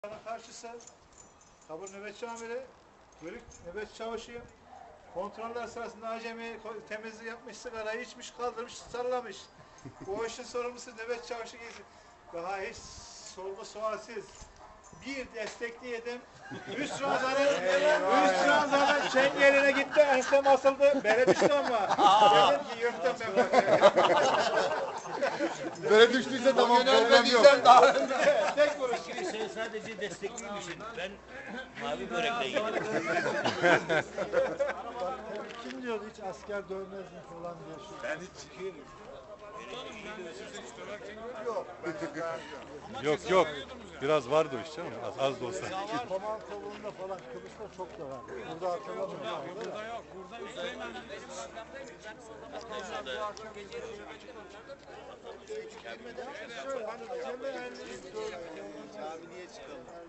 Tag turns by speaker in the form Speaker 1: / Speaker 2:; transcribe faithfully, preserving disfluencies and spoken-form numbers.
Speaker 1: Karşısı tabur nöbetçi amiri, bölük nöbetçi çavuşuyum. Kontroller sırasında acemi temizlik yapmış, sigarayı içmiş, kaldırmış, sallamış. Bu işin sorumlusu nöbetçi çavuşu giysin. Daha hiç sorgu sualsiz. Bir destekleyedim. Üst ranzanın, üst ranzanın çengeline gitti, ensem asıldı. Bere düştü ama. Dedim ki yırttım ben bakayım.
Speaker 2: Böyle düştüyse tamam, problem yok.
Speaker 1: Tek vuruş.
Speaker 3: Sen sadece destekliymişsin. Ben mavi börekle yedim.
Speaker 4: Kim diyordu hiç asker dövmez mi falan diye.
Speaker 1: Ben hiç
Speaker 5: Yok yok. Biraz vardı o iş canım. Az, az da olsa.
Speaker 4: Koman kolunda falan Kıbrıs'ta çok da var. Burada hatırlamıyorum.
Speaker 6: Burada yok. Burada Üsteğmen.
Speaker 1: Camiye çıkalım.